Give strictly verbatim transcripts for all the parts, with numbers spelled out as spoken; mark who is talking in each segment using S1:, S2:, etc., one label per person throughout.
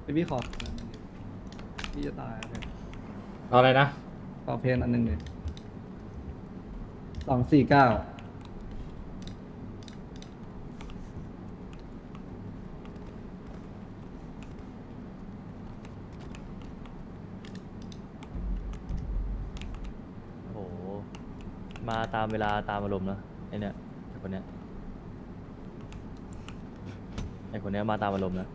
S1: พี่ขออันหนึ่งดิพี่จะตายเลย
S2: เอาอะไรนะ
S1: ขอเพลงอันหนึ่งเลยสองสี่เก้า
S3: โอ้โหมาตามเวลาตามอารมณ์นะไอเนี่ยไอคนเนี้ยไอคนเนี้ยมาตามอารมณ์นะ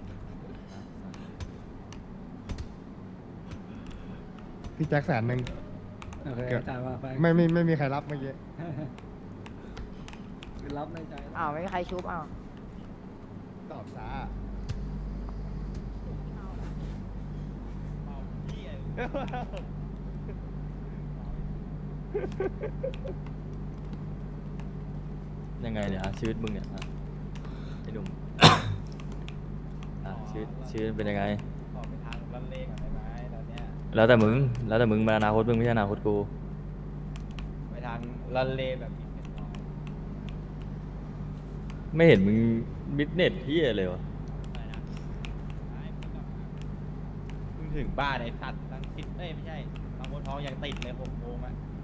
S4: พี่แจ็คแสนหนึ่ง
S1: โอเค
S4: เกือบ
S1: จ่ายมาไป
S4: ไม่ไม่ไม่มีใครรับเมื่อกี้
S1: คือรับในใจแล้ว
S5: อ้าวไม่มีใครชุบอ้าว
S4: ตอบช้า
S3: ยังไงเนี่ยอ่ะชีวิตมึงเนี่ยอ่ะไอหนุ่ม อ่ะชีวิตชีวิตเป็นยังไง
S6: ออกไปทางลันเลก่อนได้ไหมตอนเนี้ย
S3: แล้วแต่มึงแล้วแต่มึงมาอนาคตมึงไม่ใช่อนาคตกู
S6: ไปทางลันเลแบบอินเป็นน้อย
S3: ไม่เห็นมึงบิสเนสที่เลยวะ
S6: อะไรนะไอ้มึงกลับมาเพิ่งถึงบ้านไอ้สัตว์ตั้งติดเอ้ยไม่ใช่บางบัวทองยังติดเลยหกโมงอะ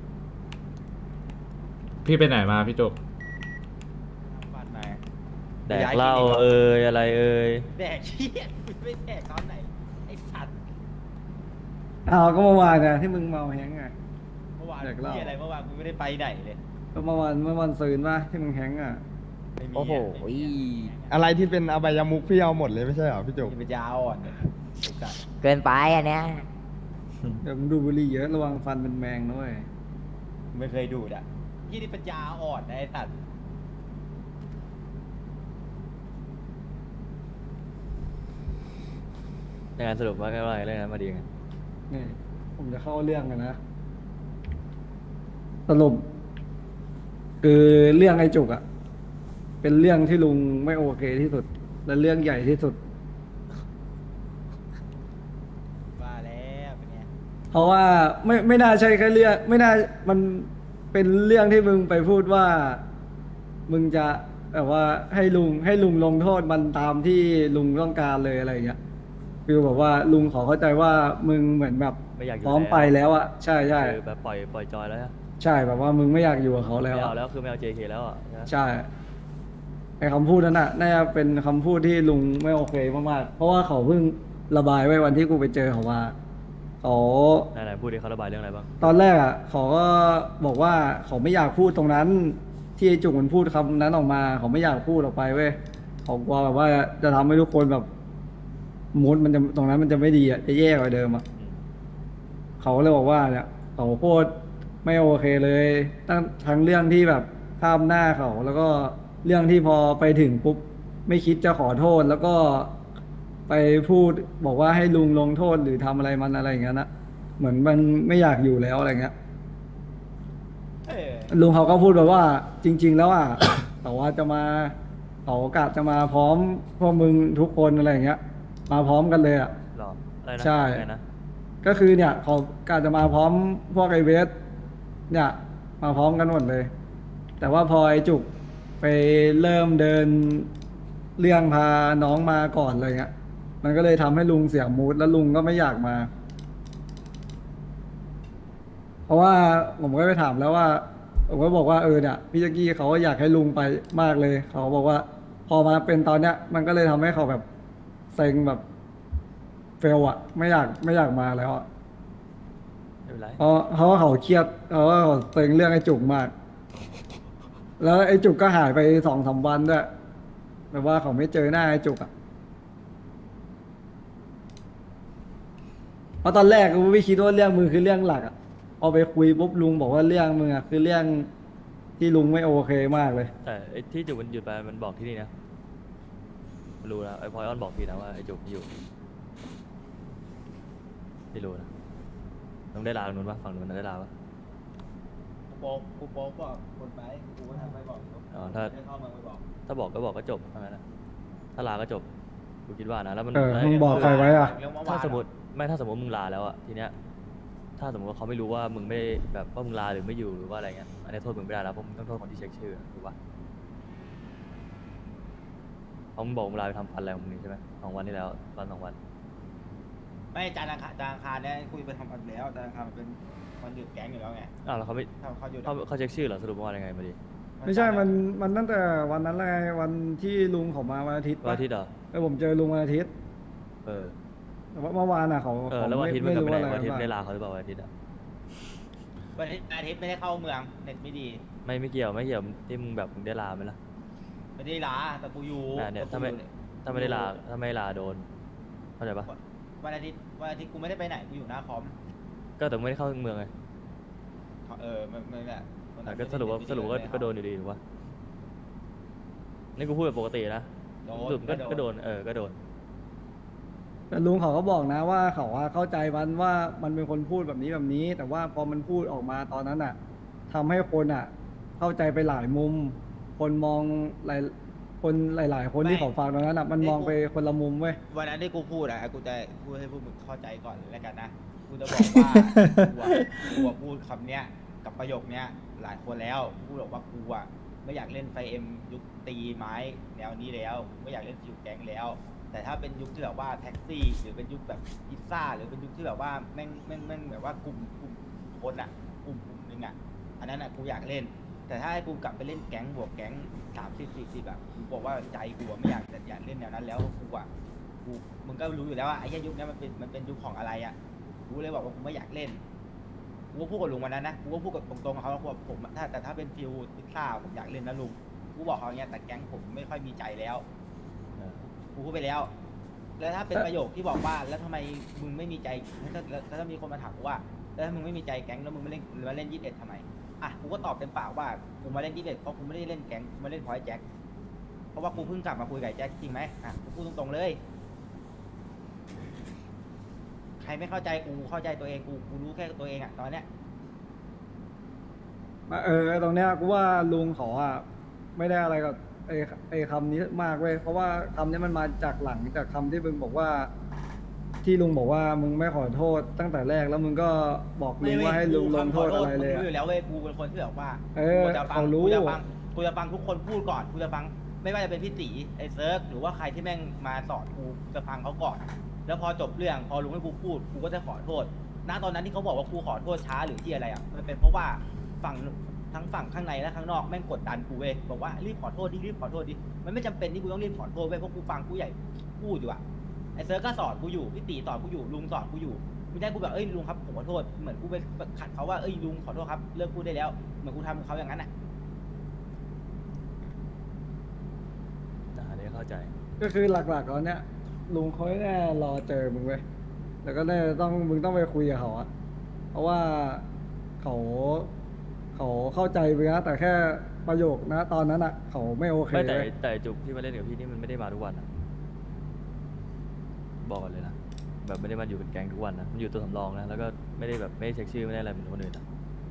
S2: พี่ไปไหนมาพี่จุก
S6: ทำบัตรมา
S3: แดกเหล้าเอ่ยอะไรเอ่ย
S6: แดกเชี่ยมึงไม่แดกตอนไหนไอ้สัตว์
S1: อ้าวก็เมื่อวานนะที่มึงเมาแฮงก์ไง
S6: เมื่อวาน
S1: แดกเหล้า
S6: เชี่ยอะไรเมื่อวานกูไม่ได้ไปไหนเลย
S1: ก็เมื่อวานเมื่อวันซืนป่ะที่มึงแฮงก์อ่ะ
S6: ไม่มีะ
S5: โอ้โห
S6: ไม่มีอะ
S4: อะไรที่เป็นอบายมุกพี่เอาหมดเลยไม่ใช่เหรอพี่จุก
S6: ที่เป็นยาอ่อนเนี่ยไอ้สัตว์
S5: เกินไปอันเนี้ย
S1: เดี๋ยวมึงดูบุหรี่เยอะระวังฟันเป็นแมงนะเว้ย
S6: ไม่เคยดูดอ่ะยี่นี่เป็นยาอ่อนนะไอ้สัตว์
S3: ยังไงสรุปว่าก็ว่าไงเรื่องนั้นมาดีไง
S1: นี่ผมจะเข้าเรื่องกันนะสรุปคือเรื่องไอ้จุกอะเป็นเรื่องที่ลุงไม่โอเคที่สุด และเรื่องใหญ่ที่สุด
S6: ว่าแล้วเป็นไง
S1: เพราะว่าไม่ไม่น่าใช่แค่เรื่องไม่น่ามันเป็นเรื่องที่มึงไปพูดว่า มึงจะแบบว่าให้ลุงให้ลุงลงโทษมันตามที่ลุงต้องการเลยอะไรอย่างเงี้ยคือแบบว่าลุงขอเข้าใจว่ามึงเหมือนแบบ
S3: ไม่อยากอยู่
S1: พร้อมไปแล้วอะใช่ใช่
S3: คือแบบปล่อยปล่อยจอยแล้วอะ
S1: ใช่แบบว่ามึงไม่อยากอยู่กับเขาแล้ว
S3: ไม่เอา
S1: อะ
S3: แล้วคือไม่เอา เจ เค แล้วอ่ะใช่ไหม
S1: ใช่ไอ้คำพูดนั้นน่ะน่าจะเป็นคำพูดที่ลุงไม่โอเคมากๆเพราะว่าเขาเพิ่งระบายไว้วันที่กูไปเจอเขามาเขา
S3: ไหนๆพูดดิเขาระบายเรื่องอะไรบ้าง
S1: ตอนแรกอ่ะเขาก็บอกว่าเขาไม่อยากพูดตรงนั้น ที่ไอ้จุกมันพูดคำนั้นออกมาเขาไม่อยากพูดออกไปเว้ยเขากลัวแบบว่าจะทำให้ทุกคนแบบมูดมันจะตรงนั้นมันจะไม่ดีอ่ะจะแย่กว่าเดิมอ่ะ
S3: อืม
S1: เขาเลยบอกว่าเนี่ยเขาโคตรไม่โอเคเลยตั้งทั้งเรื่องที่แบบข้ามหน้าเขา แล้วก็เรื่องที่พอไปถึงปุ๊บไม่คิดจะขอโทษ แล้วก็ไปพูดบอกว่าให้ลุงลงโทษหรือทำอะไรมันอะไรอย่างเงี้ยนะเหมือนมันไม่อยากอยู่แล้วอะไรเงี้ย
S6: เออ
S1: ลุงเขาก็พูดแบบว่า จริง ๆ แล้วอ่ะ แต่ว่าจะมาเขากะจะมาพร้อมพวกมึงทุกคนอะไรอย่างเงี้ย มาพร้อมกันเลยอ่ะ
S3: หรออะไรนะ
S1: ใช่
S3: ไงนะ
S1: ก็คือเนี่ยเขากะจะมาพร้อมพวกไอเวสเนี่ยมาพร้อมกันหมดเลย แต่ว่าพอไอจุกไปเริ่มเดินเรื่องพาน้องมาก่อนอะไรเงี้ย มันก็เลยทำให้ลุงเสียมูดแล้วลุงก็ไม่อยากมา เพราะว่าผมก็ไปถามแล้วว่าผมก็บอกว่าเออเนี่ยพี่จักกี้เขาก็อยากให้ลุงไปมากเลย เขาบอกว่า พอมาเป็นตอนเนี้ย มันก็เลยทำให้เขาแบบเซ็งแบบเฟลอะไม่อยากไม่อยากมาแล้วอะ
S3: ไม่เป็นไร
S1: เพราะเพราะว่าเขาเครียดเพราะว่าเขาเซ็งเรื่องไอ้จุกมาก แล้วไอ้จุกก็หายไปสองสามวันด้วยแบบว่าเขาไม่เจอหน้าไอ้จุกอะเพราะตอนแรกกูไม่คิดว่าเรื่องมือคือเรื่องหลักอะเอาไปคุยปุ๊บลุงบอกว่าเรื่องมึงอะคือเรื่องที่ลุงไม่โอเคมากเลย
S3: แต่ไอ้ที่จุกมันหยุดไปมันบอกที่นี่นะรู้นะไอ้พลอยออนบอกพี่นะว่าไอ้จุกอยู่ไม่รู้นะต้องได้ลาตรงนู้นปะฝั่งนู้นนะได้ลาปะ
S6: กูโป๊กกูโป๊กบอกคนไปกูก็ทำไปบอก
S3: อ๋อถ้า
S6: ได้เข้ามาไปบอก
S3: ถ้าบอกก็บอกก็จบเท่านั้นนะถ้าลาก็จบกูคิดว่านะแล้วมัน
S1: เออ
S3: แล้ว
S1: มึงบอกใครไว้อะ
S6: เรื่องเมื่อวาน
S3: ถ้าสมมติไม่ถ้าสมมติมึงลาแล้วอะทีเนี้ยถ้าสมมติว่าเขาไม่รู้ว่ามึงไม่แบบว่ามึงลาหรือไม่อยู่หรือว่าอะไรเงี้ยอันนี้โทษมึงไม่ได้แล้วเพราะมึงต้องโทษคนที่เช็คชื่อถูกปะเพราะมึงบอกมึงลาไปทำฟันอะไรของมึงนี่ใช่ไหมสองวันที่แล้ววันสองวัน
S6: ไม่จานทร์อังคารจานทร์อังคารเนี่ยคุยไปทำกันแล้วจานทร์อังคารมันเป็นวันหยุดแก๊งอยู่แล้วไง
S3: อ้าวแล้วเขาไม่
S6: ถ้าเขาหยุด
S3: เขาเขาเช็คชื่อเหรอสรุปว่ายังไงมาดิ
S1: ไม่ใช่มันมันตั้งแต่วันนั้นเลยวันที่ลุงเขามาวันอาทิตย์
S3: วัน
S1: ปะ
S3: อาทิตย์เหรอ
S1: เออผมเจอลุงวันอาทิตย์
S3: เออ
S1: แต่ว่าเมื่อวานอ่ะเขา
S3: เออ
S1: เขา
S3: แล้ววันอาทิตย์มัน
S1: ไม่
S3: กลับ
S1: รู้
S3: ไปไหน
S1: อะไร
S3: วันอาทิตย์
S1: บ้าง
S3: ได้ลาเขาหรือเปล่าวันอาทิตย์อ่ะ
S6: วันอาทิตย์ไม่ได้เข้าเมืองเน็ตไม่ดี
S3: ไม่ไม่เกี่ยวไม่เกี่ยวที่มึงแบบมึงได้ลาไหมล่ะ
S6: ไม่ได้ลาแต่กูอยู่
S3: น่ะเนี่ย
S6: แต่
S3: ถ้า
S6: กู
S3: ไม่
S6: อยู่
S3: ถ้าไม่ได้ลาถ้าไม่ลาโดนเข้าใจปะ
S6: วันอาทิตย์วันอาทิตย์กูไม่ได้ไปไหนกูอยู่หน้าคอม
S3: ก็แต่ไม่ได้เข้าเมืองไง
S6: เออไม่ไม่แบบวัน
S3: อ่ะ
S6: นั้น
S3: ก็
S6: ไม่ได้
S3: สรุปว่า
S6: ไม่
S3: สรุปก็
S6: ไม่ได้
S3: ก็โดนอยู่ดีถูกปะนี่กูพูดแบบปกตินะ
S6: โด
S3: สรุป
S6: น
S3: ก็ก็โดนเออก็โดน
S1: แต่ลุงเขาก็บอกนะว่าเขาว่าเข้าใจมันว่ามันเป็นคนพูดแบบนี้แบบนี้ แต่ว่าพอมันพูดออกมาตอนนั้นอ่ะทำให้คนอ่ะ เข้าใจไปหลายมุม คนมองหลายคนหลาย ๆ คนที่เขาฟังตอนนั้นอ่ะมันมองไปคนละมุมเว้ย
S6: วันนั้นที่กูพูดอะกูจะพูดให้พวกมึงเข้าใจก่อนแล้วกันนะกูจะบอกว่ากูอะกูอะพูดคำเนี้ยกับประโยคเนี้ยหลายคนแล้วพูดบอกว่ากูอะไม่อยากเล่นไฟเอ็มยุคตีไม้แนวนี้แล้วไม่อยากเล่นฟิวแก๊งแล้ว แต่ถ้าเป็นยุคที่แบบว่าแท็กซี่ หรือเป็นยุคแบบพิซซ่าหรือเป็นยุคที่แบบว่าแม่งแม่งแม่งแบบว่ากลุ่มกลุ่มคนอะกลุ่มกลุ่มหนึงอะอันนั้นอะกูอยากเล่น แต่ถ้าให้กูกลับไปเล่นแก๊งบวกแก๊งสามสิบสี่สิบอะกูบอกว่าใจกูอะไม่อยากแต่อยากเล่นแนวนั้นแล้วกูอะกูมึงก็รู้อยู่แล้วว่าไอ้เหี้ยยุคนี้มันเป็นมันเป็นยุคของอะไรอะกูเลยบอกว่ากูไม่อยากเล่นกูก็พูดกับลุงวันนั้นนะกูก็พูดกับตรงๆกับเขาว่ากูบอกผมถ้าแต่ถ้าเป็นฟิลพิซซ่าผมอยากเล่นนะลุงกูบอกเขาอย่างเงี้ยแต่แก๊งผมไม่ค่อยมีใจแล้ว
S3: เออ
S6: กูพูดไปแล้ว แล้วถ้าเป็นประโยคที่บอกว่าแล้วทำไมมึงไม่มีใจถ้าแล้วถ้ามีคนมาถามกูว่าแล้วถ้ามึงไม่มีใจแก๊งแล้วมึงมาเล่นมาเล่นยี่สิบเอ็ดทำไมอ่ะกูก็ตอบเต็มปากว่ากูมาเล่นยี่สิบเอ็ดเพราะกูไม่ได้เล่นแก๊งกูมาเล่นพอยแจ็คเพราะว่ากูเพิ่งกลับมาคุยกับไอ้แจ็คจริงไหมอ่ะกูพูดตรงๆเลย ใครไม่เข้าใจกูเข้าใจตัวเองกูกูรู้แค่ตัวเองอะตอนเนี้ย
S1: เออตรงเนี้ยกูว่าลุงเขาอ่ะไม่ได้อะไรกับไอ้ไอ้คำนี้มากเว้ยเพราะว่าคำนี้มันมาจากหลังจากคำที่มึงบอกว่า ที่ลุงบอกว่ามึงไม่ขอโทษตั้งแต่แรกแล้วมึงก็บอกลุงว่าให้ลุงลงโทษอะไรเลย
S6: กู
S1: อะ
S6: รู้อยู่แล้วเว้ยกูเป็นคนที่แบบว่า
S1: เออ
S6: กูจะฟัง
S1: เขารู้
S6: กูจะฟังกูจะฟังทุกคนพูดก่อนกูจะฟังไม่ว่าจะเป็นพี่ตีไอ้เซิร์กหรือว่าใครที่แม่งมาสอนกูจะฟังเขาก่อน แล้วพอจบเรื่องพอลุงให้กูพูดกูก็จะขอโทษณตอนนั้นที่เขาบอกว่ากูขอโทษช้าหรือที่อะไรอ่ะมันเป็นเพราะว่าฝั่งทั้งฝั่งข้างในและข้างนอกแม่งกดดันกูเว้ยบอกว่ารีบขอโทษดิรีบขอโทษดิมันไม่จำเป็นที่กูต้องรีบขอโทษเว้ยเพราะกูฟังกูใหญ่พูดอยู่อ่ะไอ้เซิร์กก็สอนกูอยู่พี่ตีสอนกูอยู่ลุงสอนกูอยู่ไม่ได้กูแบบเอ้ยลุงครับผมขอโทษเหมือนกูไปขัดเขาว่าเอ้ยลุงขอโทษครับเลิกพูดได้แล้วเหมือนกูทำกับเขาอย่างนั้นอ่ะ
S3: อ่ะอันนี้เข้าใจ
S1: ก็คือหลักๆตอนเนี้ยลุงเขาแน่รอเจอมึงเว้ยแล้วก็แน่ต้องมึงต้องไปคุยกับเขาอะเพราะว่าเขาเขาเข้าใจไปนะแต่แค่ประโยคนะตอนนั้นอะเขาไม่โอเค
S3: ไม่แต่
S1: เว้ย
S3: แต่จุกที่มาเล่นกับพี่นี่มันไม่ได้มาทุกวันนะบอกก่อนเลยนะแบบไม่ได้มาอยู่เป็นแก๊งทุกวันนะมันอยู่ตัวสำรองนะแล้วก็ไม่ได้แบบไม่ได้เช็คชื่อไม่ได้อะไรเหมือนคนอื่นนะ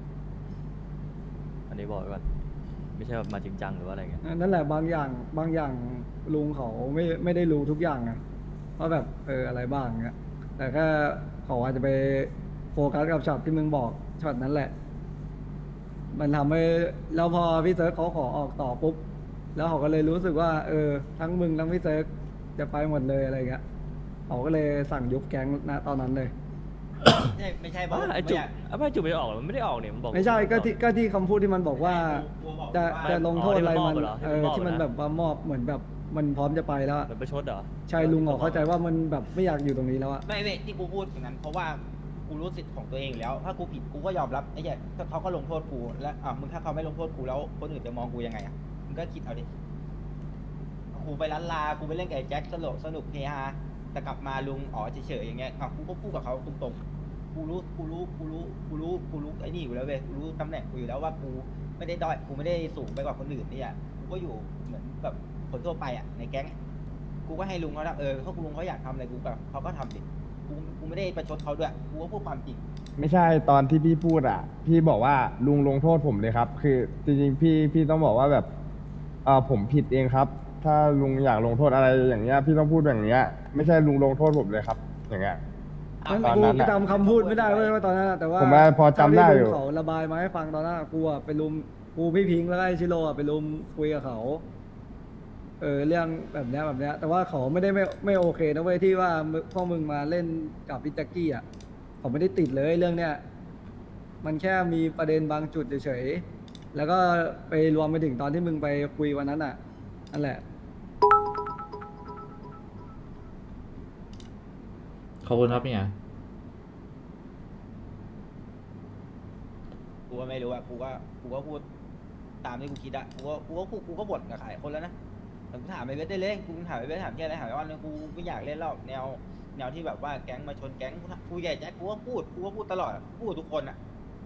S3: อันนี้บอกไว้ก่อนไม่ใช่แบบมาจริงจังหรือว่าอะไรเงี้ย
S1: นั่นแหละบางอย่างบางอย่างลุงเขาไม่ไม่ได้รู้ทุกอย่างไงว่าแบบเอออะไรบ้างเงี้ยแต่แค่เขาอาจจะไปโฟกัสกับช็อตที่มึงบอกช็อตนั้นแหละ มันทำให้แล้วพอพี่เซิร์ฟเขาขอออกต่อปุ๊บแล้วเขาก็เลยรู้สึกว่า เออ ทั้งมึงทั้งพี่เซิร์ฟจะไปหมดเลยอะไรเงี้ยเขาก็เลยสั่งยุบแก๊งณตอนนั้นเลย
S6: ไม่ใช่ไม่ใช่บอก
S3: ว่าไอ้จุกไอ้จุกไม่ได้ออกหรอมันไม่ได้ออกเนี่ยมันบอก
S1: ไม่ใช่ก็ที่ก็ที่คำพูดที่มันบอกว่า
S6: กูบอก
S1: จะ
S6: ว่า
S1: จะลงโทษอะไรมัน
S3: อ๋อที่มันมอบเหรอ
S1: เออ
S3: ที่
S1: ที่
S3: มั
S1: มัน น
S3: มอบเหรอ
S1: แบบว่ามอบเหมือนแบบมันพร้อมจะไปแล้วอะ
S3: มันประชดเหรอ
S1: ใช่ลุงเขาเข้าใจว่ามันแบบไม่อยากอยู่ตรงนี้แล้วอะ
S6: ไม่ไม่ที่กูพูดอย่างนั้นเพราะว่ากูรู้สิทธิ์ของตัวเองอยู่แล้ว ถ้ากูผิดกูก็ยอมรับไอ้เหี้ยถ้าเขาก็ลงโทษกูแล้วอ่ะมึงถ้าเขาไม่ลงโทษกูแล้วคนอื่นจะมองกูยังไงอ่ะมึงก็คิดเอาดิกูไปร้านลากูไปเล่นกับไอ้แจ็คสนุกสนุกเฮฮาแต่กลับมาลุงอ๋อเฉยๆอย่างเงี้ยอ่ะกูก็พูดกับเขาตรงๆกูรู้กูรู้กูรู้กูรู้กูรู้ไอ้นี่อยู่แล้วเว้ยกูรู้ตำแหน่งกูอยู่แล้วว่ากูไม่ได้ด้อยกูไม่ได้สูงไปกว่าคนอื่นนี่อ่ะกูก็อยู่เหมือนแบบคนทั่วไปอ่ะในแก๊งกูก็ให้ลุงเขาทำเออเขาลุงเขาอยากทำอะไรกูแบบเขาก็ทำดิกูกูไม่ได้ประชดเขาด้วยกูก็พูดความจริง
S4: ไม่ใช่ตอนที่พี่พูดอ่ะ พี่บอกว่าลุงลงโทษผมเลยครับ คือจริงๆพี่พี่ต้องบอกว่าแบบเออผมผิดเองครับ ถ้าลุงอยากลงโทษอะไรอย่างเงี้ยพี่ต้องพูดอย่างเงี้ยไม่ใช่ลุงลงโทษผมเลยครับ อย่างเงี้ย
S1: มัน
S4: ตอน
S1: กู
S4: นั้นอะ
S1: จำคำพูดไม่ได้เว้ยว่าตอนนั้นอะแต่ว่า
S4: ผมว่าพอจำได้อยู่
S1: เท่าที่ลุงเขาระบายมาให้ฟังตอนนั้นอะกูอะไปลุมกูพี่พิงค์แล้วก็ไอชิโร่อะไปลุมคุยกับเขาเออเรื่องแบบเนี้ยแบบเนี้ยแต่ว่าเขาไม่ได้ไม่ไม่โอเคนะเว้ยที่ว่ามึงพวกมึงมาเล่นกับพิจักกี้อ่ะเขาไม่ได้ติดเลยเรื่องเนี้ยมันแค่มีประเด็นบางจุดเฉยๆแล้วก็ไปรวมไปถึงตอนที่มึงไปคุยวันนั้นอ่ะนั่นแหละ
S2: ขอบคุณครับเนี่ย
S6: กูก็ไม่รู้อะกูก็กูก็พูดตามที่กูคิดอะกูก็กูก็พูดกูก็บ่นกับหลายคนแล้วนะแต่กูถามไอ้เวทได้เลยกูถามไอ้เวทถามแค่อะไรถามไอ้วันนึงกูไม่อยากเล่นแล้วแนวแนวที่แบบว่าแก๊งมาชนแก๊งกูถามกูใหญ่แจ็คกูก็พูดกูก็พูดตลอดอะพูดกับทุกคนอะ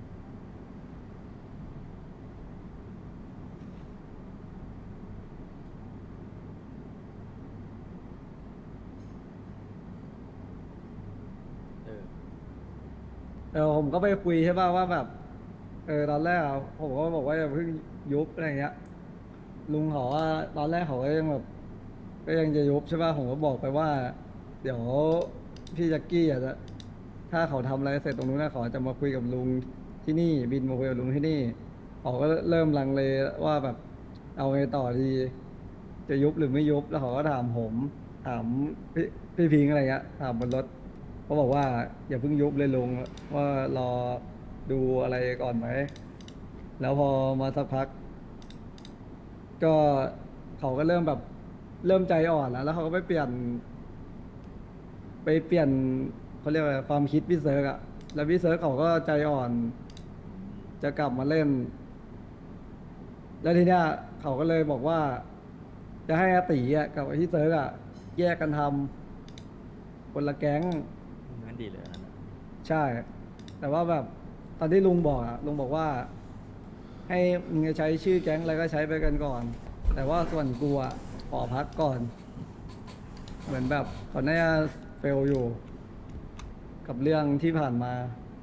S3: เออ
S1: เออผมก็ไปคุยใช่ป่ะว่าแบบเออตอนแรกอะผมก็บอกว่าอย่าเพิ่งยุบอะไรเงี้ยลุงเขาว่าตอนแรกเขาก็ยังแบบก็ยังจะยุบใช่ป่ะผมก็บอกไปว่า เดี๋ยวพี่แจ็คกี้อ่ะจะถ้าเขาทำอะไรเสร็จตรงนู้นนะเขาจะมาคุยกับลุงที่นี่บินมาคุยกับลุงที่นี่เขาก็เริ่มลังเลว่าแบบเอาไงต่อดีจะยุบหรือไม่ยุบแล้วเขาก็ถามผมถามพี่พี่พิงค์อะไรเงี้ยถามบนรถ เขาบอกว่าอย่าเพิ่งยุบเลยลุงว่ารอดูอะไรก่อนไหม แล้วพอมาสักพัก ก็เขาก็เริ่มแบบเริ่มใจอ่อนแล้ว แล้วเขาก็ไปเปลี่ยน ไปเปลี่ยนเขาเรียกว่าอะไรความคิดพี่เซิร์กอะแล้วพี่เซิร์กเขาก็ใจอ่อน จะกลับมาเล่น แล้วทีเนี้ยเขาก็เลยบอกว่า จะให้อาตีอะกับไอ้พี่เซิร์กอะแยกกันทำคนละแก๊ง
S3: งั้นดีเลยอันนั้นอะ
S1: ใช่ แต่ว่าแบบตอนที่ลุงบอกอะลุงบอกว่า ให้มึงจะใช้ชื่อแก๊งอะไรก็ใช้ไปกันก่อน แต่ว่าส่วนกูอะขอพักก่อน เหมือนแบบเขาน่าจะเฟลอยู่ กับเรื่องที่ผ่านมา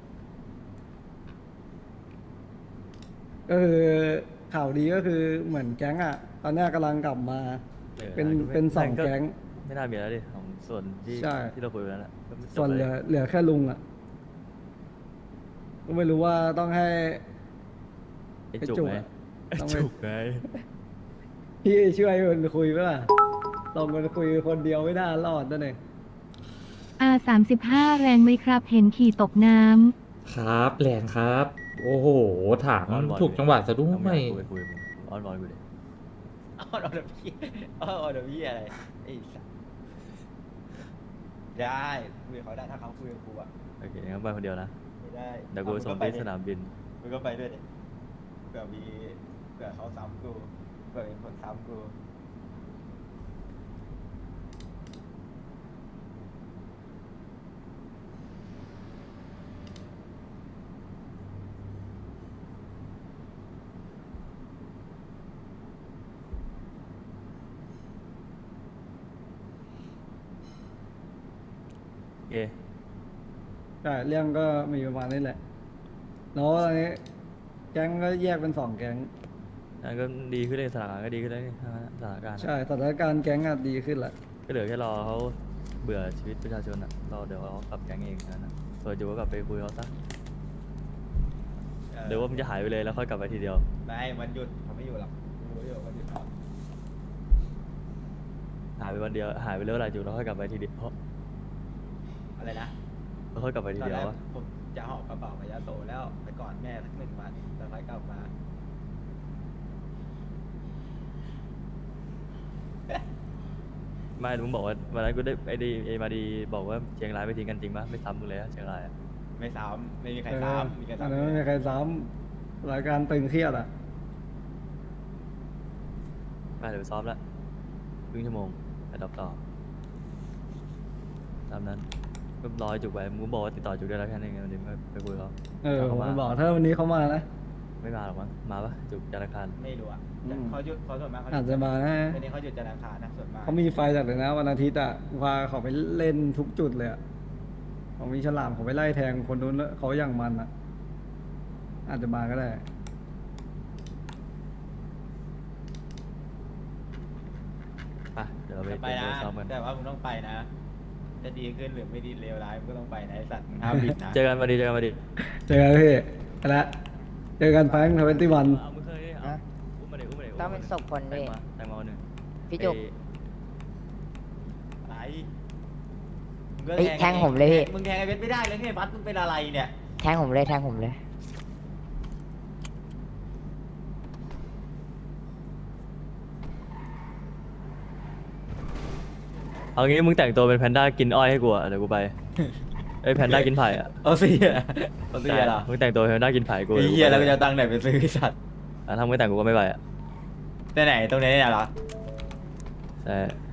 S1: ก็คือข่าวดีก็คือเหมือนแก๊งอะตอนเนี้ยกำลังกลับมา
S3: ออ
S1: เป็น
S3: ก็ไม่
S1: เป็นสอง
S3: ก็
S1: แก๊ง
S3: ไม่น่ามีแล้วดิของส่วนที่
S1: ใช่
S3: ที่เราคุยกันแล้วน่ะก็ไม่จบ
S1: ส่วนเหลือ
S3: ลย
S1: เหลือแค่ลุงอะก็ไม่รู้ว่าต้องให้
S3: ไอ้
S1: ไอ้
S3: จุก
S1: จุก
S3: ไง
S1: อะ
S3: ไอ้
S1: ต้องไป
S3: จุกไง
S1: พี่ช่วยมันคุยไหมล่ะลองมันคุยคนเดียวไม่น่ารอดนั่นเอง
S5: อาสามสิบห้าแรงไหมครับ เห็นขี่ตกน้ำ
S2: ครับแหลนครับ โอ้โห ถาม
S3: อ้อนวอน
S2: ถูกจังหวะซะด้
S3: เอา
S2: ว
S3: ไม่
S2: ย
S3: อยากคุยคุยมึงอ้อนวอนกูดิ
S6: อ้าวเอาเดี๋ยวพี่อ้าวเอาเดี๋ยวพี่อะไรไอ้สัสได้คุยกับเขาได้ถ้าเขาคุยกับกูอะ
S3: โอเคงั้นไปคนเดียวนะ
S6: ไม่ได้
S3: เดี๋ยวกู
S6: อามึ
S3: ส่ง
S6: ไป
S3: ที่
S6: ดิ
S3: สนามบิน
S6: มึงก็ไปด้วยดิเผื่อมีเผื่อเขาซ้ำกูเผื่อมีคนซ้ำกู
S3: โอเค
S1: ใช่เรื่องก็มีประมาณนี้แหละ แล้วตอนนี้แก๊งก็แยกเป็นสองแก๊ง
S3: นั่นก็ดีขึ้นเลยสถานการณ์ก็ดีขึ้นแล้วนี่สถานการณ์อะ
S1: ใช่สถานการณ์แก๊งอะดีขึ้นแหละ
S3: ก็เหลือแค่รอเขาเบื่อชีวิตประชาชนอ่ะรอเดี๋ยวเขากลับแก๊งเองแค่นั้นนะส่วนอยู่ก็กลับไปคุยเขาซะ
S6: เออ
S3: เดี๋ยวว่ามันจะหายไปเลยแล้วค่อยกลับไปทีเดียว
S6: ไม่วันหยุดเขาไม่อยู่หรอกกูรู้อยู่วันหยุดเขา
S3: หายไปวันเดียวหายไปเรื่อยๆจุดแล้วค่อยกลับไปทีเดียว
S6: อะไรนะ
S3: แล้วค่อยกลับไปที
S6: ตอน
S3: เดีย
S6: แร
S3: ว
S6: ก
S3: วะ
S6: ผมจะหอบกระเป๋าไปยาโสแล้วไปก่อนแม่สักหนึ่งวันแล้วค่อยกลับมา
S3: ไม่มึงบอกว่าวันนั้นกูได้ไอ้ดีไอ้มาดีบอกว่าเชียงรายไม่ทิ้งกันจริงปะไม่ซ้ำมึงเลยอะเชียงรายอะ
S6: ไม่ซ้ำไม่มีใคร
S1: เออ
S6: ซ้ำมีใคร
S1: อัน
S6: ซ้ำ
S1: นั้นไม่มีใครซ้ำรายการตึงเครียดอะ
S3: ไปเดี๋ยวไปซ้อมละครึ่งชั่วโมงไปดับต่อตามนั้นก็รอให้จุกไปมึงบอกว่าติดต่อจุกได้แล้วแค่นี้ไงวันนี้มึงไปคุยกับเขา
S1: เออ
S3: ถ้า
S1: ผ
S3: เขา
S1: ม
S3: มา
S1: บอกถ้าวันนี้เขามานะ
S3: ไม่มาหรอกมั้งมาปะจุกจันทร์อังคาร
S6: ไม่รู้อ่ะ
S1: อืม
S6: เขาหยุดเขาส่วนมากเขาห
S1: อา
S6: ยุ
S1: จ
S6: ด
S1: จะมานะ
S6: วันนี้เขาหยุดจันทร์อังคารนะส่วนมาก
S1: เขามีไฟจัดเลยนะวันอาทิตย์อะพาเขาไปเล่นทุกจุดเลยอะเขามีฉลามเขาไปไล่แทงคนนู้นแล้วเขาอย่างมันอะอาจจะมาก็ได้
S3: ไปเดี๋ยวเราไป
S6: จะไป
S3: เตรียม
S6: นะ
S3: ตัวซ้อมกัน
S6: แต่ว่ามึงต้องไปนะ จะดีขึ้นหรือไม่ดีเลวร้ายมึงก็ต้องไปนะไอสัตว์มึงห้ามบิดนะ
S3: เจอกันมาดีเจอกันมาดี
S1: เจอกันพี่ไปละเจอกันแฟงทเวนตี้วัน
S3: เอามึงเคยเอาอุ้มมาดิอุ้มมาดิ
S7: ต้องเป็นศพคน
S3: แต่
S7: ดิ
S3: งมาแต่งมาวันหนึ่ง
S7: พี่จุก
S6: อะไรมึงก็
S7: เฮ้ยแทงผมเลยพี่
S6: มึงแทงไอ้เวทไม่ได้เลยไงบัสมึงเป็นอะไรเนี่ย
S7: แทงผมเลยแทงผมเลย
S3: เอางี้มึงแต่งตัวเป็นแพนด้ากินอ้อยให้กูอะเดี๋ยวกูไปไอ้ยแพนด้ากินไผ่อะ
S6: เอาสิเอาสิเหรอ
S3: มึงแต่งตัวเป็นแพนด้ากินไผ่กู
S6: ไอ้เหี้ยแล้วกูจะเอาตังค์ไหนไปซื้อไอ้สัตว์
S3: อ่ะถ้ามึงไม่แต่งกูก็ไม่ไปอะ
S6: แต่ไหนตรงนี้เนี่ยเหรอ
S3: ใช่